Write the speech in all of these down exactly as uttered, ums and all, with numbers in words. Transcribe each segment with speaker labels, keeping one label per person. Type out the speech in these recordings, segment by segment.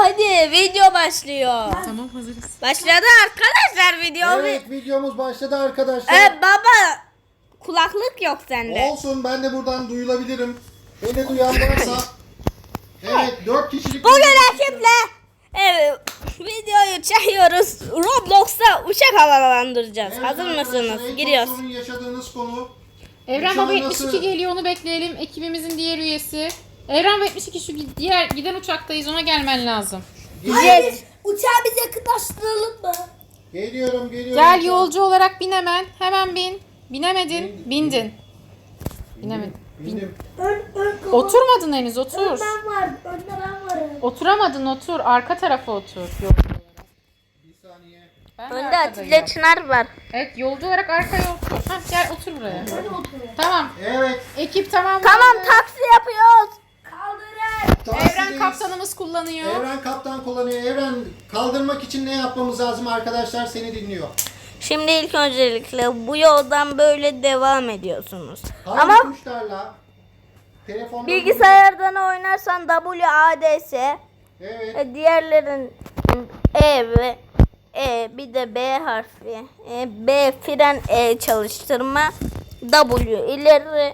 Speaker 1: hadi video başlıyor.
Speaker 2: Tamam hazırız.
Speaker 1: Başladı arkadaşlar video.
Speaker 3: Evet videomuz başladı arkadaşlar.
Speaker 1: Ee, baba kulaklık yok sende.
Speaker 3: Olsun ben de buradan duyulabilirim. Beni duyan varsa. Evet dört kişilik.
Speaker 1: Bugün ekiple evet, videoyu çekiyoruz. Roblox'ta uçak havalandıracağız.
Speaker 3: Evet,
Speaker 1: Hazır
Speaker 3: arkadaşlar,
Speaker 1: mısınız?
Speaker 3: en çok
Speaker 1: Giriyoruz.
Speaker 3: sorun yaşadığınız konu.
Speaker 2: Evren
Speaker 3: Uçağın
Speaker 2: Baba yetmiş iki
Speaker 3: nasıl-
Speaker 2: geliyor, onu bekleyelim. Ekibimizin diğer üyesi. Evren Baba yetmiş iki, şu diğer giden uçaktayız, ona gelmen lazım.
Speaker 1: Jet.
Speaker 4: Uçağı biz yakınlaştıralım mı?
Speaker 3: Geliyorum geliyorum.
Speaker 2: Gel yolcu olarak bin hemen. Hemen bin. Binemedin.
Speaker 3: Bin-
Speaker 2: Bindin. Binemedin.
Speaker 3: Bindim.
Speaker 4: Ön, ön kapı.
Speaker 2: Oturmadın henüz, otur.
Speaker 4: Ben varım. Önde ben varım.
Speaker 2: Oturamadın, otur. Arka tarafa otur. Yok.
Speaker 3: Bir saniye.
Speaker 2: Ben de
Speaker 1: Önde
Speaker 2: arkadayım.
Speaker 1: Atilla Çınar var.
Speaker 2: Evet, yolcu olarak arkaya otur. Hah, gel otur buraya.
Speaker 4: Hadi oturun.
Speaker 2: Tamam.
Speaker 3: Evet.
Speaker 2: Ekip tamam.
Speaker 1: Tamam taksi yapıyoruz.
Speaker 4: Kaldırın.
Speaker 2: Evren
Speaker 3: taksideyiz.
Speaker 2: kaptanımız kullanıyor.
Speaker 3: Evren kaptan kullanıyor. Evren kaldırmak için ne yapmamız lazım arkadaşlar seni dinliyor.
Speaker 1: Şimdi ilk öncelikle bu yoldan böyle devam ediyorsunuz.
Speaker 3: Hangi
Speaker 1: Ama
Speaker 3: tuşlarla? Telefonda
Speaker 1: bilgisayardan oynarsan W A D S,
Speaker 3: Evet.
Speaker 1: e, diğerlerin E ve E, bir de B harfi. E, B fren, E çalıştırma, W ileri.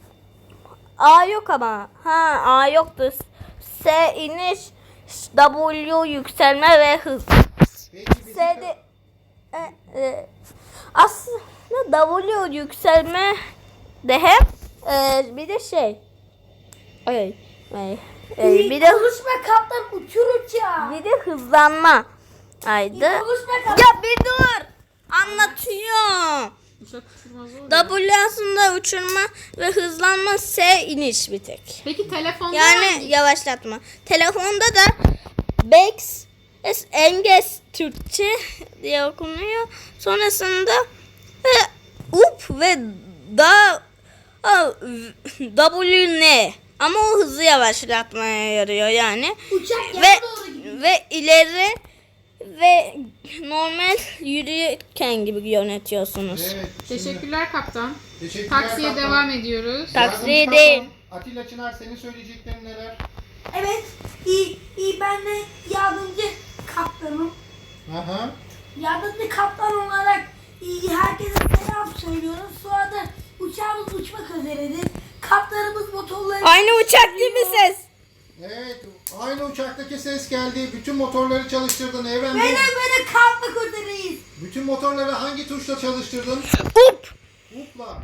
Speaker 1: A yok ama. Ha A yoktu. S iniş, W yükselme ve hız.
Speaker 3: Peki bizim
Speaker 1: S'de e, e, aslında W yükselme de hep e, bir de şey. Ay, ay, e, bir de
Speaker 4: Konuşma kaptan, uçur uçağı.
Speaker 1: bir de hızlanma. Aydı.
Speaker 4: Konuşma kaptan.
Speaker 1: Ya bir dur. Anlatıyorum.
Speaker 2: Uçak uçurmaz olur.
Speaker 1: W aslında uçurma ve hızlanma, S iniş bir tek.
Speaker 2: Peki telefonda
Speaker 1: Yani yavaşlatma. Telefonda da Bex es Enges Türkçe diye okunuyor. Sonrasında e, up ve da a, W N ama o hızı yavaşlatmaya yarıyor yani.
Speaker 4: Uçak
Speaker 1: Ve
Speaker 4: yana doğru gidiyor.
Speaker 1: ve ileri ve normal yürürken gibi yönetiyorsunuz.
Speaker 3: Evet. şimdi-
Speaker 2: Teşekkürler kaptan.
Speaker 3: Teşekkürler
Speaker 2: Taksiye
Speaker 3: kaptan.
Speaker 2: devam ediyoruz.
Speaker 1: Tak-
Speaker 3: Yardımcı
Speaker 1: Taksiye
Speaker 3: kaptan,
Speaker 1: değil.
Speaker 3: Atilla Çınar senin söyleyeceklerin neler?
Speaker 4: Evet. İyi, iyi ben de yardımcı kaptanım.
Speaker 3: Aha.
Speaker 4: Yardımcı kaptan olarak iyi, herkese selam söylüyoruz. Sonra da uçağımız uçmak üzeredir. Kaptanımız motorları...
Speaker 1: Aynı uçak gibi ses.
Speaker 3: Evet. Aynı uçaktaki ses geldi. Bütün motorları çalıştırdın Evren.
Speaker 4: Böyle
Speaker 3: Bey.
Speaker 4: böyle kalkmak üzereyiz.
Speaker 3: Bütün motorları hangi tuşla çalıştırdın?
Speaker 1: Up.
Speaker 3: Upla.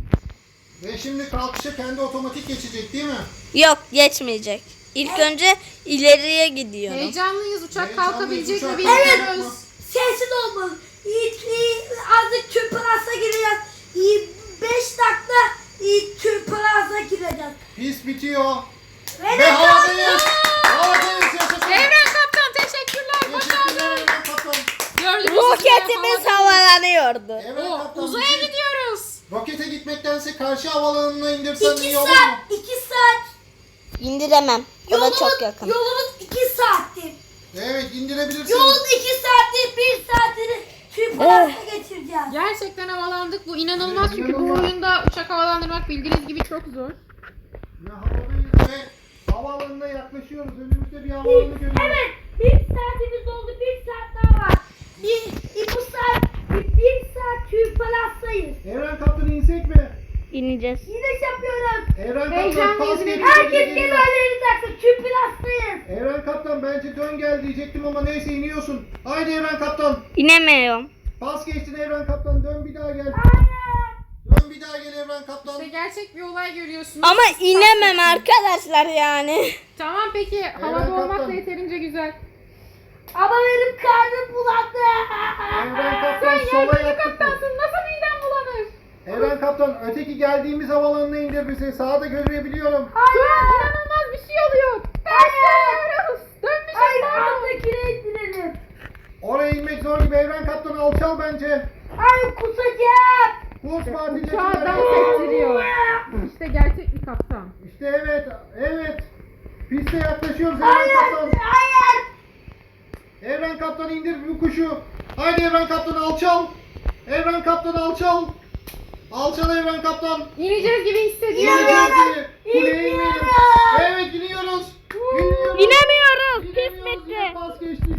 Speaker 3: Ve şimdi kalkışa kendi otomatik geçecek değil mi?
Speaker 1: Yok geçmeyecek. İlk önce ileriye gidiyorum.
Speaker 2: Heyecanlıyız. Uçak
Speaker 3: Heyecanlıyız,
Speaker 2: kalkabilecek mi
Speaker 3: uçak
Speaker 2: bilmiyoruz.
Speaker 3: kalkacak.
Speaker 4: Sessiz olmalı. İyi, iyi, azıcık tüm plasa gireceğiz. İyi, beş dakika iyi, tüm plasa gireceğiz.
Speaker 3: Pis bitiyor.
Speaker 4: Ve
Speaker 3: Ve
Speaker 4: de
Speaker 3: havadayız. Havadayız yaşasın.
Speaker 2: Evren kaptan teşekkürler.
Speaker 3: Teşekkürler
Speaker 2: Başardın.
Speaker 3: Evren kaptan.
Speaker 2: Gördüğünüz gibi
Speaker 1: Roketimiz
Speaker 2: havada-
Speaker 1: havalanıyordu.
Speaker 3: Evren
Speaker 2: Oo,
Speaker 3: kaptan.
Speaker 2: uzaya
Speaker 3: bizi
Speaker 2: gidiyoruz.
Speaker 3: Rokete gitmektense karşı havalanına indirsen
Speaker 4: iki
Speaker 3: iyi olur mu?
Speaker 4: saat, iki saat.
Speaker 1: İndiremem. O da
Speaker 4: Yolumuz,
Speaker 1: çok yakın.
Speaker 4: yolumuz iki saattir.
Speaker 3: Evet indirebilirsin.
Speaker 4: Yolun iki saattir, bir saatini tüm plasa geçireceğiz.
Speaker 2: Gerçekten havalandık. Bu inanılmaz
Speaker 3: Evet,
Speaker 2: çünkü bu
Speaker 3: inanılmaz.
Speaker 2: oyunda uçak havalandırmak bildiğiniz gibi çok zor.
Speaker 3: Ve havadayız ve havaalanına yaklaşıyoruz. Önümüzde bir havaalanı görüyoruz.
Speaker 4: Evet, bir saatimiz oldu, bir saat daha var. Bir, bir bu saat, bir, bir saat tüm plasayız.
Speaker 3: Evren kaptan insek mi?
Speaker 1: İneceğiz.
Speaker 4: Yine yapıyoruz.
Speaker 3: Evren kaptan
Speaker 2: Heyecanlıyız
Speaker 3: pas
Speaker 2: ve
Speaker 3: geçti,
Speaker 4: Herkes
Speaker 3: geliyor.
Speaker 4: kemerlerini taksın, tüm plastayız.
Speaker 3: Evren kaptan bence dön gel diyecektim ama neyse iniyorsun. Haydi Evren kaptan.
Speaker 1: İnemiyorum.
Speaker 3: Pas geçtin Evren kaptan dön bir daha gel.
Speaker 4: Hayır.
Speaker 3: Dön bir daha gel Evren kaptan.
Speaker 2: İşte gerçek bir olay görüyorsunuz.
Speaker 1: Ama inemem arkadaşlar yani.
Speaker 2: Tamam peki. Havada
Speaker 3: kaptan.
Speaker 2: olmak da yeterince güzel.
Speaker 4: Ama benim karnım bulandı.
Speaker 3: Evren kaptan
Speaker 2: Sen
Speaker 3: sola
Speaker 2: yardımcı
Speaker 3: yaptı.
Speaker 2: kaptansın. Nasıl miden bulanır?
Speaker 3: Evren kaptan öteki geldiğimiz havaalanına indir bizi. Sağda görebiliyorum.
Speaker 2: Şu an inanılmaz bir şey oluyor. Hayır. Dönmüş
Speaker 4: Hayır,
Speaker 2: pardon.
Speaker 4: alttakine indirelim.
Speaker 3: Oraya inmek zor gibi Evren kaptan alçal bence.
Speaker 4: Hayır, kusacağım.
Speaker 3: Kurs partili
Speaker 2: Uçağı
Speaker 3: Evren
Speaker 2: dans
Speaker 3: kaptan.
Speaker 2: ettiriyor. İşte gerçek bir kaptan.
Speaker 3: İşte evet evet. Piste yaklaşıyoruz Evren
Speaker 4: Hayır,
Speaker 3: kaptan.
Speaker 4: hayır.
Speaker 3: Evren kaptan indir bu kuşu. Haydi Evren kaptan alçal. Evren kaptan alçal. Alçal Evren kaptan.
Speaker 2: İneceğiz gibi hissediyorum.
Speaker 3: İneceğiz diye. Kuleye
Speaker 4: İniyorum.
Speaker 3: inelim. Evet iniyoruz. İniyoruz.
Speaker 1: İnemiyoruz. Pis
Speaker 3: İnemiyoruz,
Speaker 1: bitti.
Speaker 3: yine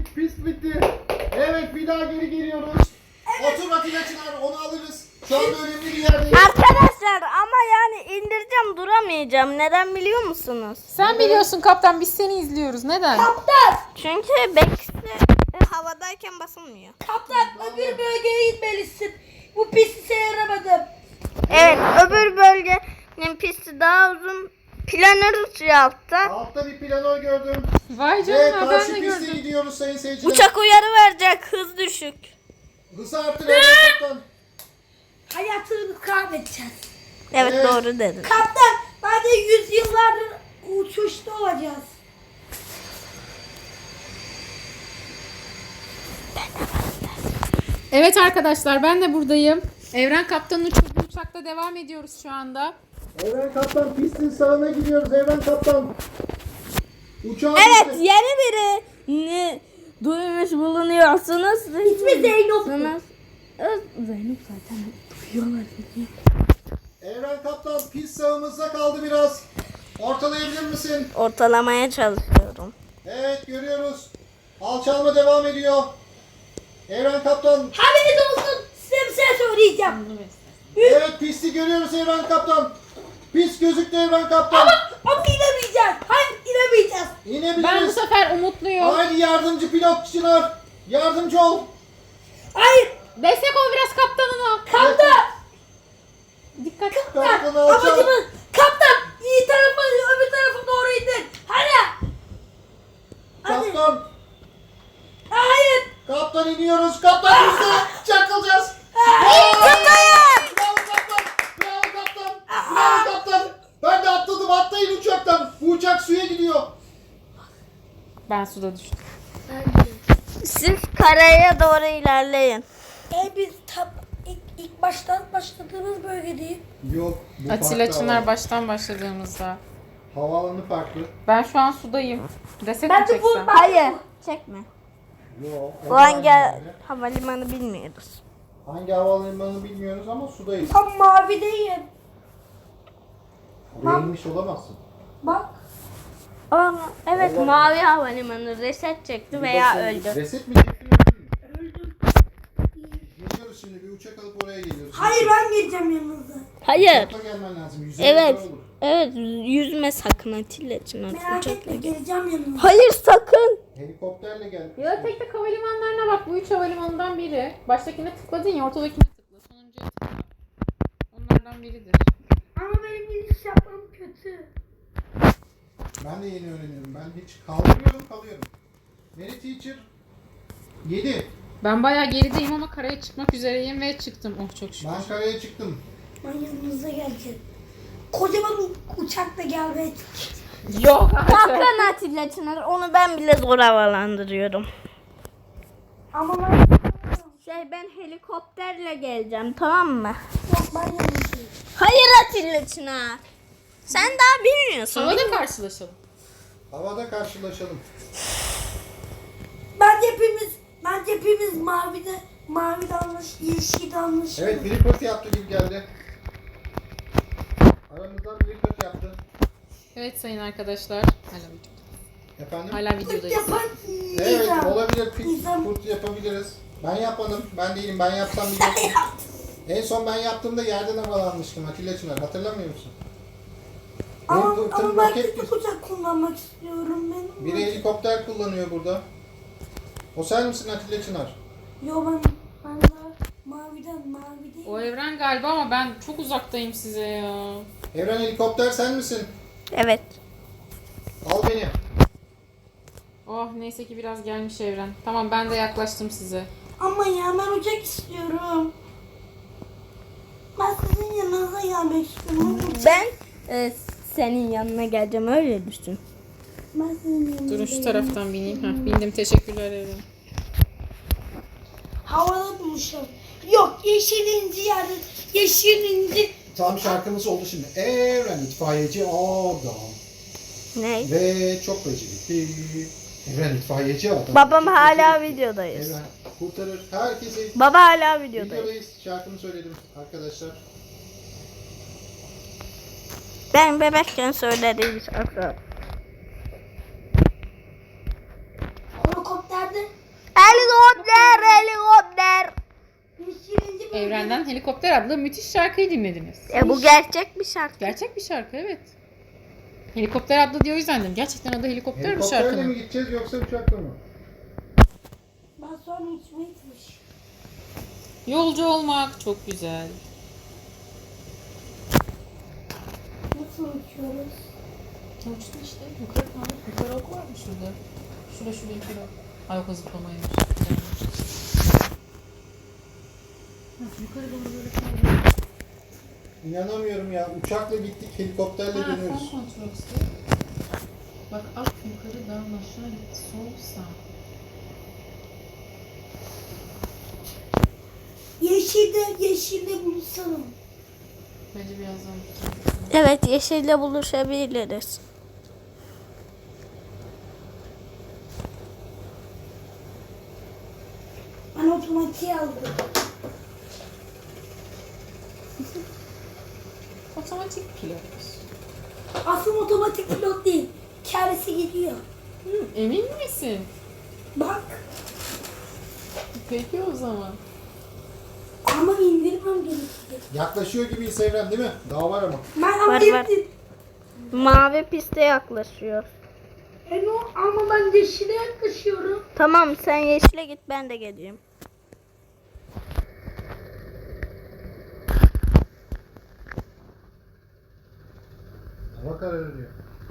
Speaker 3: Pist, pist bitti. Evet bir daha geri geliyoruz. Otur Atilla Çınar, onu alırız. Şu anda önemli bir yerdeyiz.
Speaker 1: Arkadaşlar ama yani indireceğim duramayacağım. Neden biliyor musunuz?
Speaker 2: Sen biliyorsun kaptan, biz seni izliyoruz. Neden?
Speaker 4: Kaptan.
Speaker 1: Çünkü bekle havadayken basılmıyor.
Speaker 4: Kaptan öbür bölgeye gitmelisin. Bu pisti seyredemedim.
Speaker 1: Evet öbür bölgenin pisti daha uzun. Planör uçuyor altta.
Speaker 3: Altta bir planör gördüm.
Speaker 2: Vay
Speaker 3: Ve
Speaker 2: canına, ben
Speaker 3: karşı
Speaker 2: de
Speaker 3: piste
Speaker 2: gördüm.
Speaker 3: gidiyoruz sayın seyirciler.
Speaker 1: Uçak uyarı verecek hız düşük.
Speaker 3: Hızı arttır Evren Kaptan.
Speaker 4: Hayatını kaybedeceğiz.
Speaker 1: Evet,
Speaker 3: Evet.
Speaker 1: doğru dedin.
Speaker 4: Kaptan ben de yüzyıllardır uçuşta olacağız.
Speaker 2: Evet arkadaşlar, ben de buradayım. Evren Kaptan'ın uçurduğu uçakta devam ediyoruz şu anda.
Speaker 3: Evren Kaptan pistin sağına gidiyoruz Evren Kaptan. Uçağı
Speaker 1: Evet
Speaker 3: bitti.
Speaker 1: yeni biri ne duymuş bulunuyorsunuz.
Speaker 4: İsmi Zeynep.
Speaker 1: Zeynep zaten duyuyorlar.
Speaker 3: Evren Kaptan pist sağımızda kaldı biraz. Ortalayabilir misin?
Speaker 1: Ortalamaya çalışıyorum.
Speaker 3: Evet görüyoruz. Alçalma devam ediyor. Evren Kaptan.
Speaker 4: Haberiniz olsun. Size bir şey söyleyeceğim.
Speaker 3: Evet pisti görüyoruz Evren Kaptan. Pist gözüktü Evren Kaptan.
Speaker 4: Ama, ama inemeyeceğiz. Hayır inemeyeceğiz.
Speaker 2: Ben bu
Speaker 3: İnebiliriz.
Speaker 2: sefer umutluyum.
Speaker 3: Haydi yardımcı pilot Çınar. Yardımcı ol.
Speaker 4: Hayır.
Speaker 2: Destek ol biraz kaptanına.
Speaker 4: Kaptan.
Speaker 2: Dikkat.
Speaker 3: Kaptanı
Speaker 4: Kaptan.
Speaker 3: alçal.
Speaker 4: Amacımız. Kaptan. İyi tarafa öbür tarafa doğru indir. Hadi. Hadi.
Speaker 3: Kaptan.
Speaker 4: Hayır.
Speaker 3: Kaptan iniyoruz. Kaptan bizde. Çakılacağız.
Speaker 1: Kaptanım!
Speaker 3: Bravo kaptan. Bravo kaptan. Bravo kaptan. Ben de atladım. Atlayın uçaktan. Bu uçak suya gidiyor.
Speaker 2: Ben suda düştüm.
Speaker 1: Siz karaya doğru ilerleyin.
Speaker 4: E biz tab ilk, ilk baştan başladığımız bölgedeyiz.
Speaker 3: Yok. Bu
Speaker 2: Atilla
Speaker 3: farklı
Speaker 2: Çınar
Speaker 3: hava.
Speaker 2: baştan başladığımızda.
Speaker 3: Havaalanı farklı.
Speaker 2: Ben şu an sudayım. Reset
Speaker 4: Ben
Speaker 2: mi
Speaker 4: de bu
Speaker 2: çeksem?
Speaker 4: ben
Speaker 1: Hayır çekme.
Speaker 3: Yok.
Speaker 1: Bu hangi havalimanı bilmiyoruz.
Speaker 3: Hangi havalimanı bilmiyoruz ama sudayız.
Speaker 4: tam mavideyim.
Speaker 3: Oraya inmiş olamazsın.
Speaker 4: Bak.
Speaker 1: Aa, evet
Speaker 3: Allah.
Speaker 1: mavi havalimanı reset çekti veya
Speaker 3: Bakın,
Speaker 1: öldü.
Speaker 3: Reset mi çektin öldün mü?
Speaker 4: Öldüm.
Speaker 3: Geliyoruz şimdi bir uçak alıp oraya geliyoruz.
Speaker 4: Hayır ben geleceğim yanınıza.
Speaker 1: Hayır.
Speaker 3: Uçakla gelmen lazım. Yüzerek
Speaker 1: Evet.
Speaker 3: zor olur.
Speaker 1: Evet yüzme sakın Atilla Çınar.
Speaker 4: Merak
Speaker 1: Uçakla
Speaker 4: etme
Speaker 1: gel.
Speaker 4: geleceğim yanınıza.
Speaker 1: Hayır sakın.
Speaker 3: Helikopterle gel.
Speaker 2: Ya tek tek havalimanlarına bak. Bu üç havalimanından biri. Baştakine tıkladın ya, ortadakine tıkla. Sonuncuya tıkla. Onlardan biridir.
Speaker 4: Ama benim giriş yapmam kötü.
Speaker 3: Ben de yeni öğreniyorum. Ben hiç kaldırıyorum kalıyorum. Mary Teacher yedi.
Speaker 2: Ben bayağı gerideyim ama karaya çıkmak üzereyim ve çıktım. Oh çok şükür.
Speaker 3: Ben karaya çıktım.
Speaker 4: Ben yanınıza geleceğim. Kocaman u- uçakla gelmeye
Speaker 2: Yok artık.
Speaker 1: Sakın Atilla Çınar. Onu ben bile zor havalandırıyorum.
Speaker 4: Ama ben
Speaker 1: Şey ben helikopterle geleceğim tamam mı?
Speaker 4: yok ben yanınızdayım.
Speaker 1: Hayır Atilla Çınar. Sen daha bilmiyorsun.
Speaker 2: Havada karşılaşalım.
Speaker 3: Havada karşılaşalım.
Speaker 4: Bence hepimiz, bence hepimiz mavide, mavi dalmış, yeşil dalmış.
Speaker 3: Evet biri pırt yaptı gibi geldi. Aramızdan biri pırt yaptı.
Speaker 2: Evet sayın arkadaşlar. Hala,
Speaker 3: Efendim?
Speaker 2: hala
Speaker 4: Pırt
Speaker 2: videodayız.
Speaker 4: yapan
Speaker 3: Evet
Speaker 4: insan.
Speaker 3: olabilir. Pırt,
Speaker 4: İnsan.
Speaker 3: pırt yapabiliriz. Ben yapmadım. Ben değilim. Ben yapsam biliyorsun. En son ben yaptığımda yerden havalanmıştım Atilla Çınar. Hatırlamıyor musun?
Speaker 4: Ama,
Speaker 3: Benim
Speaker 4: ama
Speaker 3: tır
Speaker 4: ben
Speaker 3: roket
Speaker 4: küçük uçak kullanmak istiyorum benim.
Speaker 3: Biri helikopter kullanıyor burada. O sen misin Atilla Çınar?
Speaker 4: Yo ben, ben de maviden, mavi
Speaker 2: O
Speaker 4: değil.
Speaker 2: evren galiba ama ben çok uzaktayım size ya.
Speaker 3: Evren helikopter sen misin?
Speaker 1: Evet.
Speaker 3: Al beni.
Speaker 2: Oh neyse ki biraz gelmiş evren. Tamam ben de yaklaştım size.
Speaker 4: Ama ya ben uçak istiyorum. Ben sizin yanınıza gelmek istiyorum. Uçak-
Speaker 1: Ben e, senin yanına geleceğim öyle düşün.
Speaker 4: Ben sizin yanınıza
Speaker 2: Durun şu
Speaker 4: gelmek-
Speaker 2: taraftan bineyim. Heh, bindim, teşekkürler evren.
Speaker 4: Havada buluşalım. Yok yeşilinci yerde, yeşilinci.
Speaker 3: Tam şarkımız oldu şimdi. Evren itfaiyeci adam.
Speaker 1: Ne?
Speaker 3: Ve çok becerikli. Evren itfaiyeci adam.
Speaker 1: Babam
Speaker 3: Çok
Speaker 1: hala
Speaker 3: becerikli.
Speaker 1: videodayız.
Speaker 3: Evren kurtarır herkesi.
Speaker 1: Baba hala videodayız.
Speaker 3: Videodayız. Şarkımı söyledim arkadaşlar.
Speaker 1: Ben bebekken söylediğim şarkı.
Speaker 4: Helikopterde
Speaker 2: Senden Helikopter adlı müthiş şarkıyı dinlediniz.
Speaker 1: E bu gerçek bir şarkı.
Speaker 2: Gerçek bir şarkı, evet. Helikopter adlı diye o yüzden dedim. Gerçekten adı Helikopter bir
Speaker 3: Helikopterle mi
Speaker 2: şarkının.
Speaker 3: gideceğiz yoksa uçakla mı?
Speaker 4: Ben sonra içime gitmiş.
Speaker 2: Yolcu olmak çok güzel.
Speaker 4: Nasıl uçuyoruz?
Speaker 2: Uçtun işte. Yukarı kaldık. Yukarı ok var mı şurada? Şurada şurada yukarı ok. Ay yok, zıplamaymış. Yukarı doğru böyle kaldık.
Speaker 3: İnanamıyorum ya. Uçakla gittik, helikopterle
Speaker 2: Ha, fon
Speaker 3: dönüyoruz.
Speaker 2: kontrol işte. Bak alt yukarı dağın aşağı gitti. Sol sağ.
Speaker 4: Yeşilde, yeşilde buluşalım.
Speaker 2: Bence birazdan.
Speaker 1: Evet, yeşille buluşabiliriz.
Speaker 4: Ben otomatiğe aldım.
Speaker 2: Otomatik pilot.
Speaker 4: Aslında otomatik pilot değil. Kendisi gidiyor.
Speaker 2: Hı, emin misin?
Speaker 4: Bak.
Speaker 2: Peki o zaman.
Speaker 4: Ama indirmem gerekiyor.
Speaker 3: Yaklaşıyor gibiyiz Evren, değil mi? Daha var ama.
Speaker 4: Ben ama
Speaker 1: Var, var.
Speaker 4: indim.
Speaker 1: Mavi piste yaklaşıyor.
Speaker 4: E no, ama ben yeşile yaklaşıyorum.
Speaker 1: Tamam, sen yeşile git, ben de geleyim.
Speaker 3: Hava kararıyor.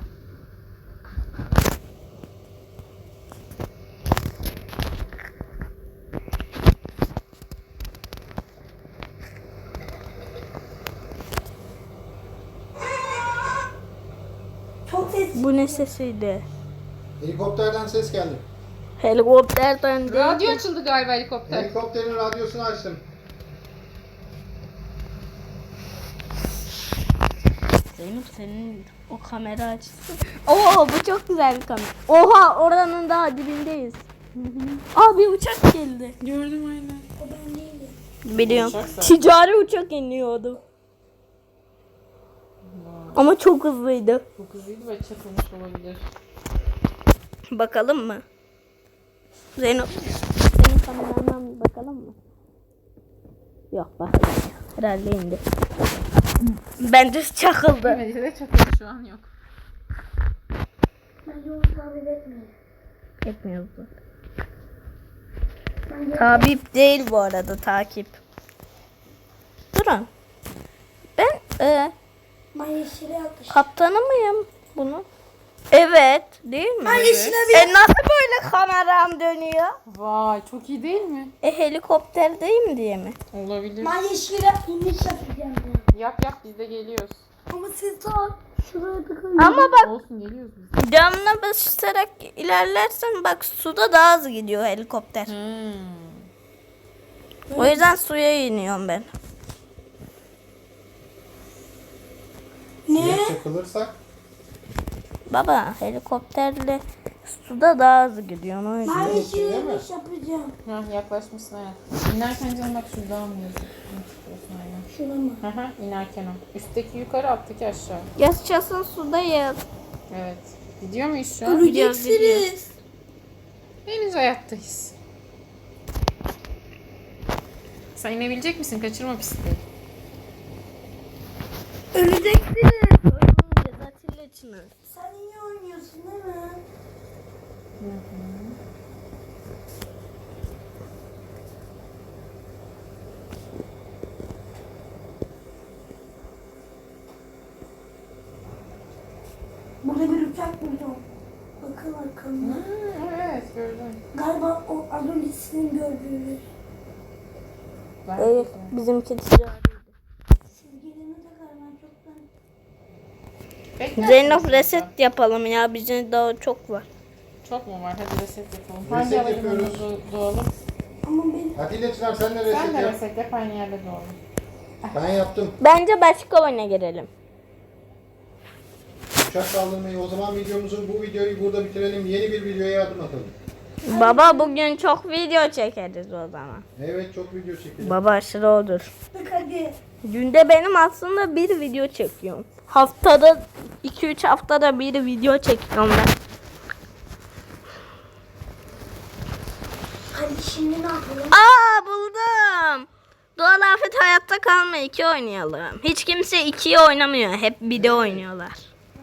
Speaker 4: Çok ses.
Speaker 1: Bu ne sesiydi?
Speaker 3: Helikopterden ses geldi.
Speaker 1: Helikopterden değil.
Speaker 2: Radyo açıldı galiba helikopter.
Speaker 3: Helikopterin radyosunu açtım.
Speaker 1: Zeynep, senin o kamera açısı. Oo, bu çok güzel bir kamera. Oha, oranın daha dibindeyiz. Abi uçak geldi.
Speaker 2: Gördüm aynen.
Speaker 4: O ben değilim.
Speaker 1: Biliyorum.
Speaker 2: Uçak zaten.
Speaker 1: Ticari uçak iniyordu. Ama çok hızlıydı.
Speaker 2: Çok hızlıydı ve çakılmış olabilir.
Speaker 1: Bakalım mı? Zeynep, senin kamerandan bir bakalım mı? Yok, bakalım. Herhalde indi. Bence çakıldı.
Speaker 2: Bence de çakılmış, şu an yok.
Speaker 4: Ben yolu takip etmiyorum.
Speaker 1: Etmiyoruz.
Speaker 4: Ben yolu-
Speaker 1: Takip değil bu arada, takip. Durun. Ben e,
Speaker 4: Ben yeşile yaklaşıyorum.
Speaker 1: kaptanı mıyım bunu? Evet, değil mi?
Speaker 4: Ben yeşile bir...
Speaker 1: E nasıl böyle kameram dönüyor?
Speaker 2: Vay, çok iyi değil mi?
Speaker 1: E helikopterdeyim diye mi?
Speaker 2: Olabilir.
Speaker 4: Ben yeşile iniş yapacağım ya.
Speaker 2: Yap yap, biz de geliyoruz.
Speaker 4: Ama siz daha şuraya tıkayın.
Speaker 1: Ama bak,
Speaker 2: Olsun, geliyoruz biz.
Speaker 1: camına basarak ilerlersen bak, suda daha hızlı gidiyor helikopter.
Speaker 2: Hmm.
Speaker 1: O yüzden suya iniyorum ben.
Speaker 4: Ne?
Speaker 3: Ya çakılırsak?
Speaker 1: Baba, helikopterle suda daha hızlı gidiyor o yüzden.
Speaker 4: Ben yeşile
Speaker 3: Değil mi?
Speaker 4: iniş yapacağım.
Speaker 2: Ha, yaklaşmışsın hayat. İnerken canım bak, şurada mı yazıyor? Ne çıkıyorsun aynen.
Speaker 4: Şuna mı?
Speaker 2: Hı hı, inerken o. Üstteki yukarı, alttaki aşağı.
Speaker 1: Yaşasın sudayız.
Speaker 2: Evet. Gidiyor muyuz şu an?
Speaker 4: Öleceksiniz.
Speaker 2: Henüz hayattayız. Sen inebilecek misin? Kaçırma pisti.
Speaker 4: Öleceksiniz.
Speaker 1: Oynayacağız Atilla Çınar.
Speaker 4: Sen iyi oynuyorsun değil mi?
Speaker 2: Hı hı.
Speaker 4: Burada bir uçak buldum. Bakın arkamda.
Speaker 2: Hı, evet, gördüm.
Speaker 4: Galiba o az önce sizin gördüğünüz.
Speaker 2: Belki
Speaker 1: Evet,
Speaker 2: de.
Speaker 1: bizimki ticariydi.
Speaker 4: Siz gelene kadar ben çoktan...
Speaker 2: Bekler
Speaker 1: Zeynep,
Speaker 2: misin
Speaker 1: reset
Speaker 2: burada?
Speaker 1: yapalım ya, bizim daha çok var.
Speaker 2: Çok mu var? Hadi reset yapalım.
Speaker 3: Reset
Speaker 2: Hangi havalimanında
Speaker 3: yapıyoruz.
Speaker 2: doğ- doğalım?
Speaker 4: Ama benim...
Speaker 3: Atilla Çınar sen de
Speaker 2: Sen
Speaker 3: reset
Speaker 2: de
Speaker 3: yap.
Speaker 2: reset yap, aynı yerde doğalım.
Speaker 3: Ben yaptım.
Speaker 1: Bence başka oyuna girelim.
Speaker 3: Uçak saldırmayı. O zaman videomuzun bu videoyu burada bitirelim. Yeni bir videoya adım atalım.
Speaker 1: Baba, bugün çok video çekeriz o zaman.
Speaker 3: Evet, çok video çekelim.
Speaker 1: Baba aşırı olur.
Speaker 4: Bak hadi.
Speaker 1: Günde benim aslında bir video çekiyorum. Haftada iki üç haftada bir video çekiyorum ben.
Speaker 4: Hadi şimdi ne yapalım?
Speaker 1: Aa, buldum. Doğa Doğal Afet Hayatta Kalma iki oynayalım. Hiç kimse ikiyi oynamıyor. Hep bir de oynuyorlar.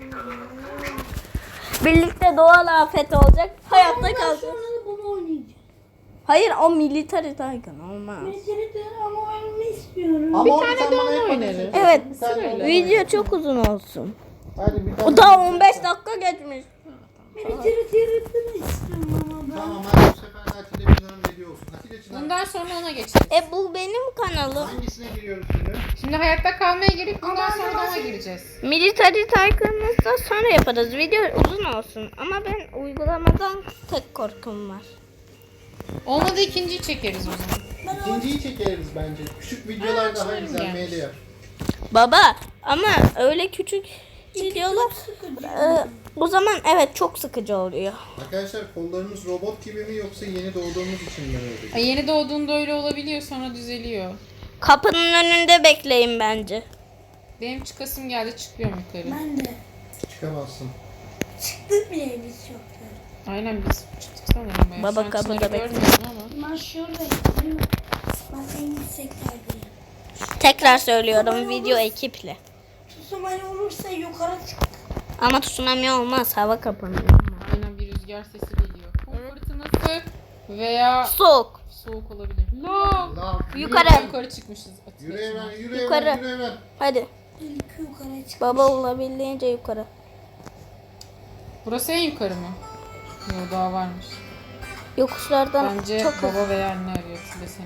Speaker 1: Birlikte Doğal Afet olacak. Hayatta
Speaker 4: Ondan
Speaker 1: kalacağız.
Speaker 4: sonra da bunu oynayacağım.
Speaker 1: Hayır o Military Tycoon olmaz.
Speaker 4: Mesela de ama oynamak istiyorum.
Speaker 3: Ama
Speaker 2: Bir
Speaker 3: onu
Speaker 2: tane
Speaker 3: sen
Speaker 2: de
Speaker 3: bana
Speaker 2: onu
Speaker 3: yapmadın.
Speaker 2: oynarız.
Speaker 1: Evet.
Speaker 3: Bir tane
Speaker 2: Sırayla.
Speaker 3: onu
Speaker 1: Video
Speaker 3: oynarız.
Speaker 1: çok uzun olsun.
Speaker 3: Hadi bir tane.
Speaker 1: O daha on beş dakika geçmiş.
Speaker 4: Beni tirittirin istiyorum ama ben.
Speaker 3: Tamam hadi bu sefer de Atilla Çınar'ın dediği olsun. Atilla Çınar.
Speaker 2: Bundan sonra ona geçeriz.
Speaker 1: E bu benim kanalım.
Speaker 3: Hangisine giriyoruz şimdi?
Speaker 2: Şimdi hayatta kalmaya girip bundan sonra da ona gireceğiz.
Speaker 1: Military Tycoon'u da sonra yaparız. Video uzun olsun. Ama ben uygulamadan tek korkum var.
Speaker 2: Olmadı ikinciyi çekeriz o zaman.
Speaker 3: İkinciyi çekeriz bence. Küçük videolar
Speaker 2: Ha,
Speaker 3: daha
Speaker 2: çıkarım
Speaker 3: güzel
Speaker 2: yani.
Speaker 3: mail yer.
Speaker 1: Baba ama öyle küçük videolar e, o zaman evet çok sıkıcı oluyor.
Speaker 3: Arkadaşlar kollarımız robot gibi mi yoksa yeni doğduğumuz için mi öyle?
Speaker 2: Ay, yeni doğduğunda öyle olabiliyor, sonra düzeliyor.
Speaker 1: Kapının önünde bekleyin bence.
Speaker 2: Benim çıkasım geldi, çıkıyorum yukarı.
Speaker 4: Ben de.
Speaker 3: Çıkamazsın.
Speaker 4: Çıktık bile biz çoktan.
Speaker 2: Aynen biz çıktık sanırım. ya.
Speaker 1: Baba
Speaker 2: Şu an
Speaker 1: kapıda
Speaker 2: Çınar'ı
Speaker 1: bekliyor.
Speaker 2: görmüyorum ama.
Speaker 4: Ben şuradayım. Ben en yükseklerdeyim.
Speaker 1: Tekrar söylüyorum video ekiple.
Speaker 4: Tsunami olursa yukarı çık.
Speaker 1: Ama tsunami olmaz hava kapanıyor.
Speaker 2: Aynen bir rüzgar sesi geliyor. Kum fırtınası veya
Speaker 1: Soğuk.
Speaker 2: soğuk olabilir. Lav.
Speaker 3: Lan,
Speaker 1: Yukarı.
Speaker 2: Yukarı çıkmışız.
Speaker 3: Yürü Evren, yürü
Speaker 1: Yukarı.
Speaker 3: Evren, yürü Evren.
Speaker 1: Hadi
Speaker 4: İlk yukarı çık.
Speaker 1: baba olabildiğince yukarı.
Speaker 2: Burası en yukarı mı? Yok daha varmış.
Speaker 1: Yokuşlardan
Speaker 2: Bence
Speaker 1: çok hızlı.
Speaker 2: baba veya anne arıyor Tile seni.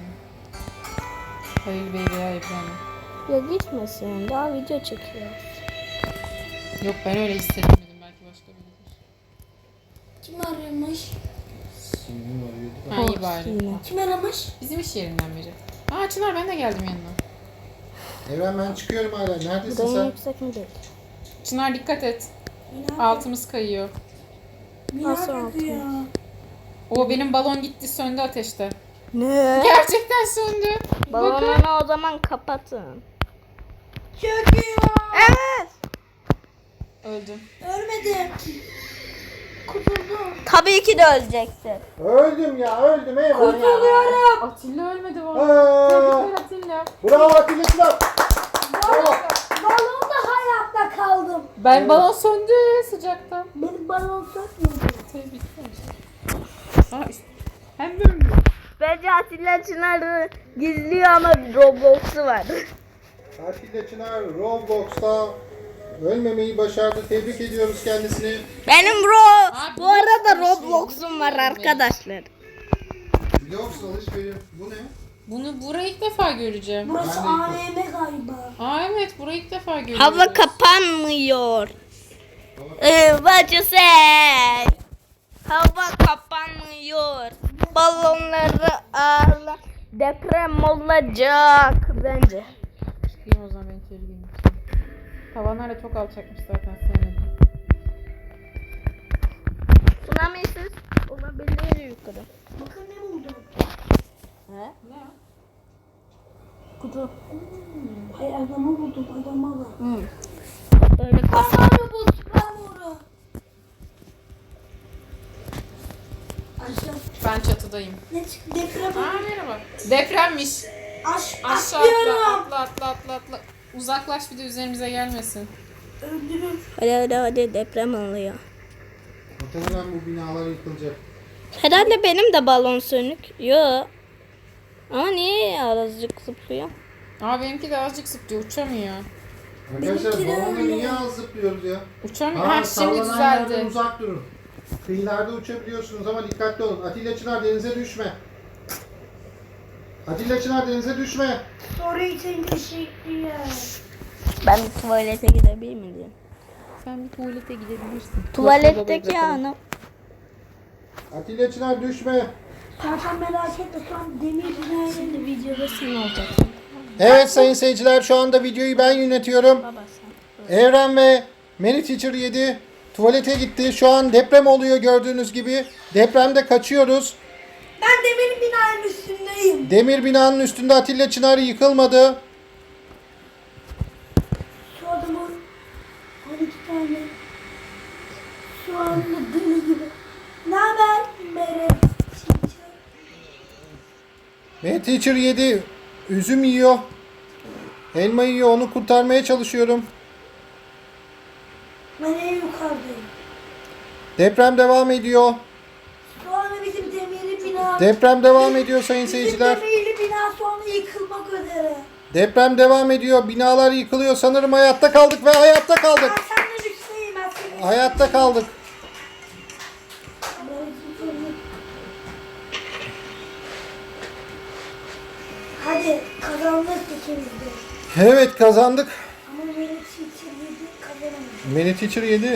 Speaker 2: Halil Bey veya İbrahim.
Speaker 1: Ya gitmesin daha video çekiyoruz.
Speaker 2: Yok ben öyle hissetmedim, belki başka biridir.
Speaker 4: Kim aramış?
Speaker 3: Sinirimi arıyordu da.
Speaker 2: Ha iyi
Speaker 1: Oh,
Speaker 2: bari.
Speaker 1: yine.
Speaker 4: Kim aramış?
Speaker 2: Bizim iş yerinden biri. Aa Çınar ben de geldim yanına.
Speaker 3: Evren ben çıkıyorum hala. Neredesin
Speaker 1: Buradan
Speaker 3: sen?
Speaker 1: yüksek mi değil?
Speaker 2: Çınar dikkat et.
Speaker 4: Mina,
Speaker 2: Altımız kayıyor.
Speaker 4: Mina
Speaker 1: Nasıl
Speaker 4: bakıyor.
Speaker 2: O benim balon gitti, söndü ateşte.
Speaker 1: Ne?
Speaker 2: Gerçekten söndü. Bakın.
Speaker 1: Balonunu o zaman kapatın.
Speaker 4: Çöküyor.
Speaker 1: Evet.
Speaker 2: Öldüm.
Speaker 4: Ölmedi. Kurtuldum.
Speaker 1: Tabii ki de öleceksin.
Speaker 3: Öldüm ya, öldüm Evren ya.
Speaker 4: Kurtuluyorum.
Speaker 2: Atilla ölmedi valla.
Speaker 3: Aa,
Speaker 2: Tebrikler Atilla.
Speaker 3: bravo Atilla Çınar.
Speaker 4: Balon, balonda hayatta kaldım.
Speaker 2: Ben
Speaker 3: Evet.
Speaker 2: balon söndü sıcaktan.
Speaker 4: Benim balon sökmüyordu.
Speaker 2: Tebrikler. Aa, ist- hem de öldü.
Speaker 1: Bence Atilla Çınar'ı gizliyor ama Roblox'u var.
Speaker 3: Atilla Çınar Roblox'ta ölmemeyi başardı. Tebrik ediyoruz kendisini.
Speaker 1: Benim Ro
Speaker 2: Abi,
Speaker 1: bu arada
Speaker 2: nasıl bir şey?
Speaker 1: Roblox'um var arkadaşlar.
Speaker 3: Blox alışveriş. Bu ne?
Speaker 2: Bunu burayı ilk defa göreceğim.
Speaker 4: Burası
Speaker 3: Ben de
Speaker 4: A V M galiba.
Speaker 2: Aa evet burayı ilk defa görüyorum.
Speaker 1: Hava kapanmıyor. Ee, what you say? Hava kapanmıyor. Balonları ağırla. Deprem olacak bence.
Speaker 2: Çıkayım o zaman ben içeri gireyim. Tavanlar da çok alçakmış zaten, sevmedim.
Speaker 1: Tsunami'siz olabilir yukarı.
Speaker 4: Bakın ne buldum.
Speaker 1: He?
Speaker 2: Ne?
Speaker 1: Kutu.
Speaker 4: Hayır adamı buldum. Adama bak.
Speaker 1: Hı. Böyle kas.
Speaker 4: Kafamı buldum. Ben bunu. Aşağı.
Speaker 2: Ben çatıdayım.
Speaker 4: Ne çıktı? Deprem.
Speaker 2: Aa merhaba. Depremmiş.
Speaker 4: Aş
Speaker 2: Aşağı
Speaker 4: atlıyorum.
Speaker 2: atla, atla atla atla atla. Uzaklaş, bir de üzerimize gelmesin.
Speaker 4: Öldürür.
Speaker 1: Hadi hadi hadi deprem oluyor.
Speaker 3: Muhtemelen bu binalar yıkılacak.
Speaker 1: Herhalde benim de balon sönük. Yo. Ama niye azıcık zıplıyor?
Speaker 2: Aa benimki de azıcık zıplıyor, uçamıyor.
Speaker 3: Arkadaşlar
Speaker 4: Benimki de
Speaker 3: balonla
Speaker 4: öyle.
Speaker 3: niye az zıplıyoruz ya?
Speaker 2: Uçamıyor.
Speaker 3: Aa,
Speaker 2: Ha şimdi
Speaker 3: sallanan yerden
Speaker 2: düzeldi.
Speaker 3: uzak durun. Kıyılarda uçabiliyorsunuz ama dikkatli olun. Atilla Çınar denize düşme. Atilla Çınar denize düşme.
Speaker 4: Soru için teşekkürler.
Speaker 1: Ben bir tuvalete gidebilir miyim?
Speaker 2: Sen bir tuvalete gidebilirsin.
Speaker 1: Tuvaletteki anı.
Speaker 3: Atilla Çınar düşme.
Speaker 4: Sen sen merak etme. Şu an demir binayla
Speaker 1: Videoda sen olacaksın.
Speaker 3: Evet sayın seyirciler, şu anda videoyu ben yönetiyorum.
Speaker 1: Baba sen.
Speaker 3: Evren ve Many Teacher yedi tuvalete gitti. Şu an deprem oluyor gördüğünüz gibi. Depremde kaçıyoruz.
Speaker 4: Ben demir binanın üstündeyim.
Speaker 3: Demir binanın üstünde Atilla Çınar yıkılmadı.
Speaker 4: Şu adamın on iki tane şu anda deli gibi. Ne haber? Mere.
Speaker 3: Many Teacher yedi üzüm yiyor. Elma yiyor. Onu kurtarmaya çalışıyorum.
Speaker 4: Ben en yukarıdayım.
Speaker 3: Deprem devam ediyor.
Speaker 4: Şu anda bizim demirli bina...
Speaker 3: Deprem devam ediyor sayın
Speaker 4: Bizim
Speaker 3: seyirciler.
Speaker 4: demirli bina şu anda yıkılmak üzere.
Speaker 3: Deprem devam ediyor. Binalar yıkılıyor. Sanırım hayatta kaldık ve hayatta kaldık.
Speaker 4: Ben senden üstteyim. Ben senin
Speaker 3: Hayatta kaldık.
Speaker 4: Hadi kazandık ikimiz de.
Speaker 3: Evet kazandık.
Speaker 4: Ama Merit içiriydi kazanamadı.
Speaker 3: Many Teacher yedi.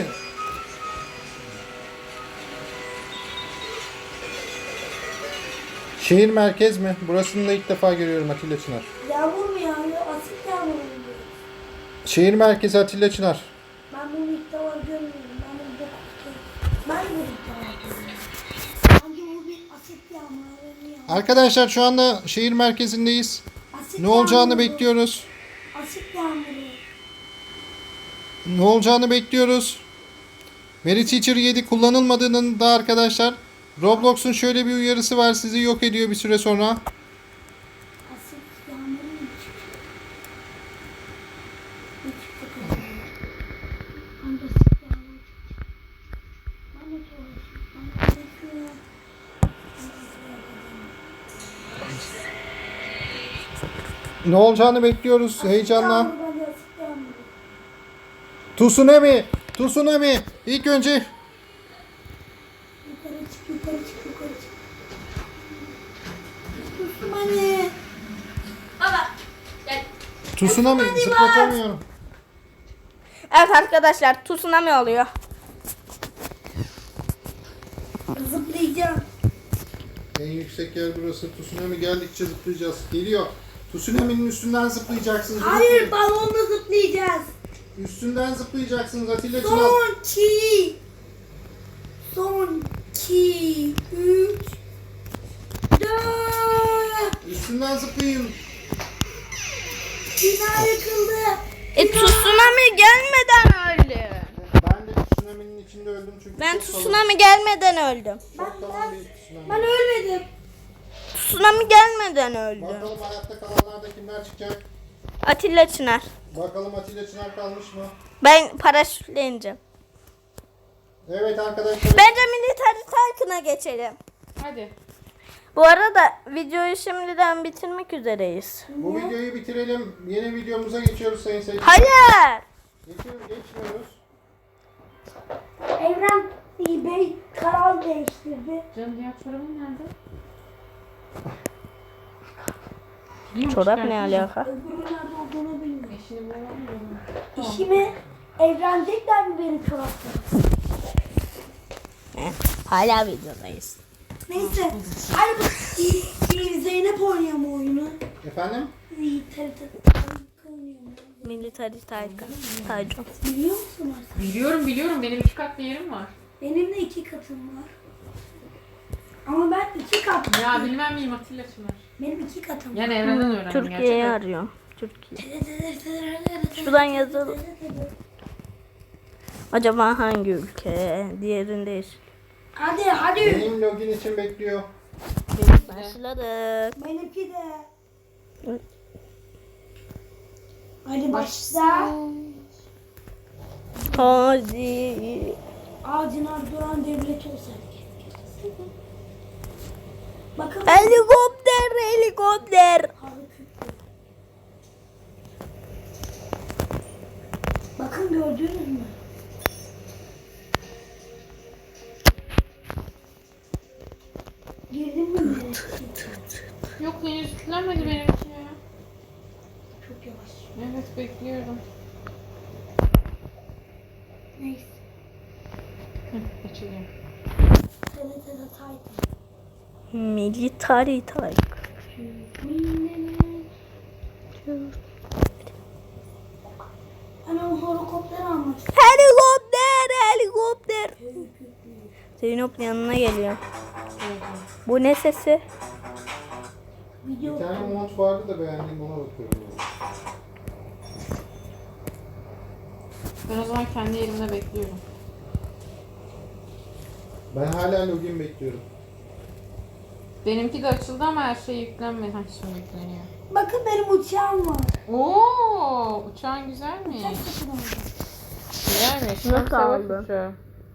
Speaker 3: Şehir merkez mi? Burasını da ilk defa görüyorum Atilla Çınar.
Speaker 4: Yağmur mu yağıyor? Asit yağmur mu yağıyor?
Speaker 3: Şehir merkezi Atilla Çınar.
Speaker 4: Ben bunu ilk defa görmüyorum. Ben bunu da Ben bunu ilk defa görüyorum. Sanki bu bir asit yağmuru yağıyor.
Speaker 3: Arkadaşlar şu anda şehir merkezindeyiz.
Speaker 4: Asit
Speaker 3: Ne olacağını
Speaker 4: yağmuru.
Speaker 3: bekliyoruz.
Speaker 4: Asit yağmuru.
Speaker 3: Ne olacağını bekliyoruz. Mary Teacher yedi kullanılmadığının da arkadaşlar Roblox'un şöyle bir uyarısı var. Sizi yok ediyor bir süre sonra.
Speaker 4: Asit yağmuru mu çıktı? Ne çıktı kızım? Hangi asit yağmuru çıktı? Ben de sorayım. Ben de bekliyorum.
Speaker 3: Ne olacağını bekliyoruz heyecanla.
Speaker 4: Yağmur, ben de asit yağmuru.
Speaker 3: Tsunami! Tsunami! İlk önce
Speaker 4: Yukarı çık, yukarı çık, yukarı çık. Kustum anne.
Speaker 2: Baba. Gel.
Speaker 3: Tsunami zıplatamıyorum.
Speaker 1: Evet arkadaşlar tsunami oluyor.
Speaker 4: Zıplayacağım.
Speaker 3: En yüksek yer burası. Tsunami geldikçe zıplayacağız. Geliyor. Tsunami'nin üstünden zıplayacaksınız.
Speaker 4: Hayır, balonla zıplayacağız.
Speaker 3: Üstünden zıplayacaksınız Atilla Çınar.
Speaker 4: Son iki. Son iki. Üç. Dört.
Speaker 3: Üstünden zıplayın.
Speaker 4: Bina yıkıldı.
Speaker 1: E tsunami gelmeden öldüm.
Speaker 3: Ben de tsunami'nin içinde öldüm çünkü
Speaker 1: Ben
Speaker 3: çok kalın-
Speaker 1: tsunami gelmeden öldüm.
Speaker 3: çok kalın bir tsunami.
Speaker 4: Ben ölmedim.
Speaker 1: Tsunami gelmeden öldüm.
Speaker 3: Bakalım hayatta kalanlarda kimler çıkacak?
Speaker 1: Atilla Çınar.
Speaker 3: Bakalım Atilla Çınar kalmış mı?
Speaker 1: Ben paraşütle ineceğim.
Speaker 3: Evet arkadaşlar.
Speaker 1: Bence Military Tycoon'a geçelim.
Speaker 2: Hadi.
Speaker 1: Bu arada videoyu şimdiden bitirmek üzereyiz.
Speaker 3: Bu videoyu bitirelim. Yeni videomuza geçiyoruz sayın seyirciler.
Speaker 1: Hayır.
Speaker 3: Geçiyoruz, geçmiyoruz.
Speaker 4: Evren Bey karar değiştirdi.
Speaker 2: Canım diğer çorabın nerede?
Speaker 1: Çorap ne alaka?
Speaker 4: Öbürü nerede olduğunu bilmiyorum.
Speaker 2: Eşini bulamıyorum.
Speaker 4: İşimi evlenecekler mi benim çoraplarım?
Speaker 1: Hala videodayız.
Speaker 4: Neyse. Hadi bu şey, Zeynep oynuyor mu oyunu?
Speaker 3: Efendim?
Speaker 4: İyi, tabii tabii. Oynuyor mu?
Speaker 1: Military Tycoon. Tycoon.
Speaker 4: Biliyor musun artık?
Speaker 2: Biliyorum biliyorum. Benim iki katlı yerim var.
Speaker 4: Benim de iki katım var. Ama ben iki kat.
Speaker 2: Ya bilmem miyim Atilla Çınar.
Speaker 4: Benim iki katım var.
Speaker 2: Yani evrenden öğrendim
Speaker 1: Türkiye'yi
Speaker 2: gerçekten.
Speaker 1: arıyorum. Türkiye. Şuradan yazalım. Acaba hangi ülke? Diğerindeyiz.
Speaker 4: Hadi hadi.
Speaker 3: Benim login için bekliyor.
Speaker 1: Başladık.
Speaker 4: Benimki de. Hadi başla.
Speaker 1: Hadi.
Speaker 4: Ağacına duran devlet olsaydı. Bakın.
Speaker 1: Helikopter, helikopter.
Speaker 4: Harbi kütlü. Bakın gördünüz mü? Girdin mi? yine?
Speaker 2: Yok henüz yüklenmedi benimki ya.
Speaker 4: Çok yavaş.
Speaker 2: Evet bekliyorum.
Speaker 4: Neyse.
Speaker 2: Hı, açılıyor.
Speaker 4: T R T'de Titan.
Speaker 1: Military Tycoon.
Speaker 4: Ben o helikopteri almak istiyorum.
Speaker 1: Helikopter, helikopter. Zeynep yanına geliyor. Bu ne sesi?
Speaker 4: Video
Speaker 3: Bir tane mont vardı da beğendiğim ona bakıyorum.
Speaker 2: Ben o zaman kendi yerimde bekliyorum.
Speaker 3: Ben hala login bekliyorum.
Speaker 2: Benimki de açıldı ama her şey yüklenmedi. Ha şimdi yükleniyor.
Speaker 4: Bakın benim uçağım var.
Speaker 2: Oo, uçağın güzelmiş.
Speaker 4: Uçak satın aldım.
Speaker 2: Güzelmiş.
Speaker 1: Nasıl
Speaker 2: Çok savaş
Speaker 1: aldın?
Speaker 2: uçağı.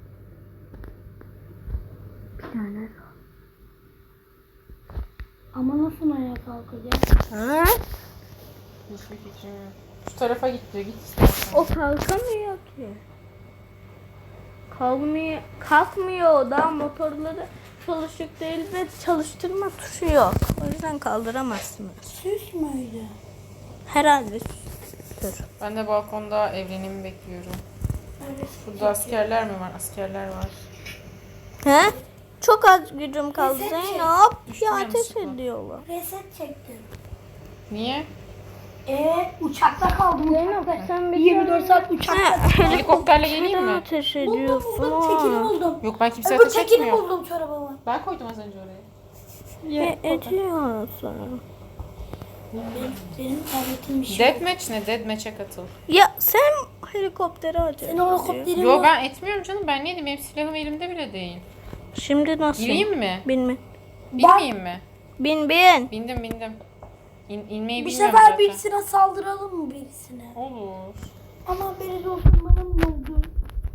Speaker 4: Ama nasıl ayağa kalkacak?
Speaker 1: Ha?
Speaker 2: Hiçbir fikrim yok. Şu tarafa gitti. Git istersen.
Speaker 1: O kalkamıyor ki. Kalkmıyor, kalkmıyor. Daha motorları çalışık değil ve çalıştırma tuşu yok. O yüzden kaldıramazsınız.
Speaker 4: Süs müydü?
Speaker 1: Herhalde sütür.
Speaker 2: Ben de balkonda evrenimi bekliyorum.
Speaker 4: Evet.
Speaker 2: Burada askerler mi var? Askerler var.
Speaker 1: He? Çok az gücüm kaldı
Speaker 4: Reset çek.
Speaker 1: Zeynep.
Speaker 2: Düştüm
Speaker 1: Ya ateş
Speaker 2: yanlışlıkla.
Speaker 1: ediyorlar.
Speaker 4: Reset çektim.
Speaker 2: Niye?
Speaker 4: Ee, uçakta kaldım. Uçakta.
Speaker 1: sen bir
Speaker 4: yirmi dört saat uçakta.
Speaker 2: Helikopterle geleyim
Speaker 1: Neden
Speaker 2: mi?
Speaker 1: ateş
Speaker 4: Buldum
Speaker 1: ediyorsun?
Speaker 4: buldum. Tekini buldum.
Speaker 2: Yok ben kimse
Speaker 4: Öbür
Speaker 2: ateş
Speaker 4: tekini
Speaker 2: etmiyor.
Speaker 4: buldum çorabıma.
Speaker 2: Ben koydum az önce oraya.
Speaker 1: Ne ediyorsun?
Speaker 4: Benim, benim tabletim bir şey.
Speaker 2: Deathmatch ne? Deathmatch'e katıl.
Speaker 1: Ya sen helikoptere ateş
Speaker 4: Senin o
Speaker 1: ediyorsun.
Speaker 4: helikopterin
Speaker 2: Yo
Speaker 4: var.
Speaker 2: ben etmiyorum canım. Ben neydim? Benim silahım elimde bile değil.
Speaker 1: Şimdi nasıl?
Speaker 2: Gireyim mi?
Speaker 1: Binme.
Speaker 2: Binmeyeyim mi?
Speaker 1: Bin bin.
Speaker 2: Bindim bindim. İn, inmeyi
Speaker 4: Bir
Speaker 2: bilmiyorum
Speaker 4: sefer
Speaker 2: zaten.
Speaker 4: birisine saldıralım mı birisine?
Speaker 2: Olur.
Speaker 4: Ama beni olsun bana mı oldu?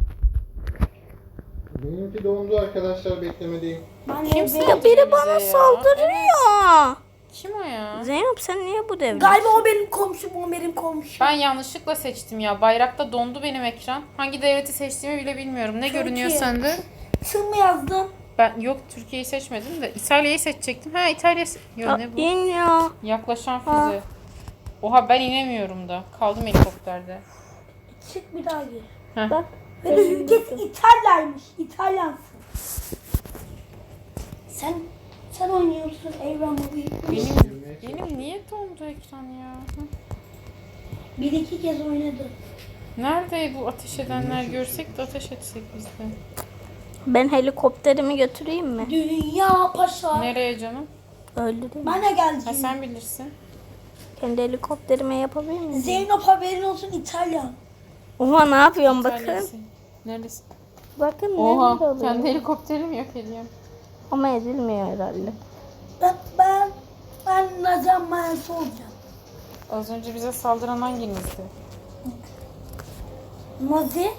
Speaker 3: Benimki dondu arkadaşlar, beklemedeyim.
Speaker 4: Ben
Speaker 2: Kimse
Speaker 4: de-
Speaker 1: Ya biri bana
Speaker 2: bize ya.
Speaker 1: saldırıyor.
Speaker 2: Kim o ya?
Speaker 1: Zeynep sen niye bu devre?
Speaker 4: Galiba o benim komşum, o benim komşum.
Speaker 2: Ben yanlışlıkla seçtim ya. Bayrakta dondu benim ekran. Hangi devleti seçtiğimi bile bilmiyorum. Ne
Speaker 4: Türkiye.
Speaker 2: görünüyor sende?
Speaker 4: Sın mı yazdın?
Speaker 2: Ben yok Türkiye'yi seçmedim de İtalya'yı seçecektim. Ha İtalya. se- Yo
Speaker 1: Ya,
Speaker 2: ne bu?
Speaker 1: İn ya.
Speaker 2: Yaklaşan
Speaker 1: Ha.
Speaker 2: füze. Oha ben inemiyorum da. Kaldım helikopterde.
Speaker 4: Çık bir daha gir.
Speaker 2: Heh.
Speaker 1: Bak.
Speaker 4: Ve ülkesi İtalya'ymış. İtalyansın. Sen sen oynuyorsun Evren Mobil.
Speaker 2: Benim, benim niye dondu ekran ya? Hı.
Speaker 4: Bir iki kez oynadım.
Speaker 2: Nerede bu ateş edenler görsek de ateş etsek biz de.
Speaker 1: Ben helikopterimi götüreyim mi?
Speaker 4: Dünya paşa.
Speaker 2: Nereye canım?
Speaker 1: Öldüreyim.
Speaker 4: Ben de
Speaker 2: Ha
Speaker 4: geleceğim.
Speaker 2: sen bilirsin.
Speaker 1: Kendi helikopterime yapabilir miyim?
Speaker 4: Zeynep haberin olsun İtalyan.
Speaker 1: Oha ne yapıyorum bakın.
Speaker 2: İtalya'sı. Neredesin?
Speaker 1: Bakın
Speaker 2: Oha
Speaker 1: nerede oluyor?
Speaker 2: kendi helikopterimi yok ediyorum.
Speaker 1: Ama edilmiyor herhalde.
Speaker 4: Ben ben ben Nazan Mayası olacağım.
Speaker 2: Az önce bize saldıran hanginizdi?
Speaker 4: Nazi.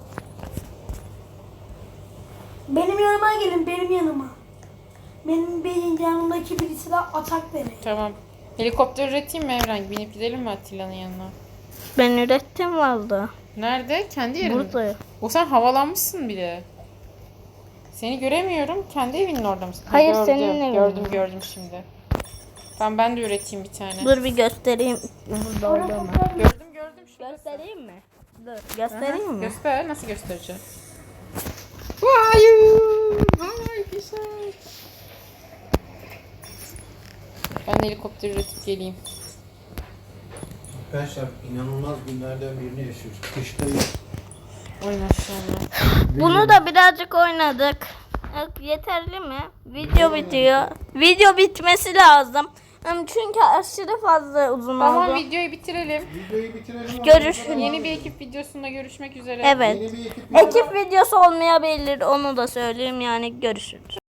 Speaker 4: Benim yanıma gelin, benim yanıma. Benim benim yanımdaki birisi de atak verir.
Speaker 2: Tamam. Helikopter üreteyim mi Evren? Binip gidelim mi Atilla'nın yanına?
Speaker 1: Ben ürettim valla.
Speaker 2: Nerede? Kendi yerinde.
Speaker 1: Burada.
Speaker 2: O sen havalanmışsın bile. Seni göremiyorum. Kendi evinin orada mısın? Ha,
Speaker 1: Hayır,
Speaker 2: gördüm,
Speaker 1: senin evin.
Speaker 2: Gördüm gördüm şimdi. Ben ben de üreteyim bir tane.
Speaker 1: Dur bir göstereyim. Burada orada mı?
Speaker 2: Gördüm gördüm şurası.
Speaker 1: Göstereyim mi? Dur. Göstereyim mi?
Speaker 2: Göster. Nasıl göstereceğim? Hayır. Hayır güzel. Ben de helikopter üretip geleyim.
Speaker 3: Arkadaşlar inanılmaz günlerden birini yaşıyoruz. Kıştayız.
Speaker 2: Oyun aşağıya.
Speaker 1: Bunu da birazcık oynadık. Yok, yeterli mi? Video bitiyor. Video bitmesi lazım. Hem Çünkü aşırı fazla uzun
Speaker 2: Tamam
Speaker 1: oldu.
Speaker 2: videoyu bitirelim.
Speaker 3: Videoyu bitirelim.
Speaker 1: Görüşürüz.
Speaker 2: Yeni bir ekip videosunda görüşmek üzere.
Speaker 1: Evet.
Speaker 3: Yeni bir ekip
Speaker 1: Ekip videosu olmayabilir. Onu da söyleyeyim yani görüşürüz.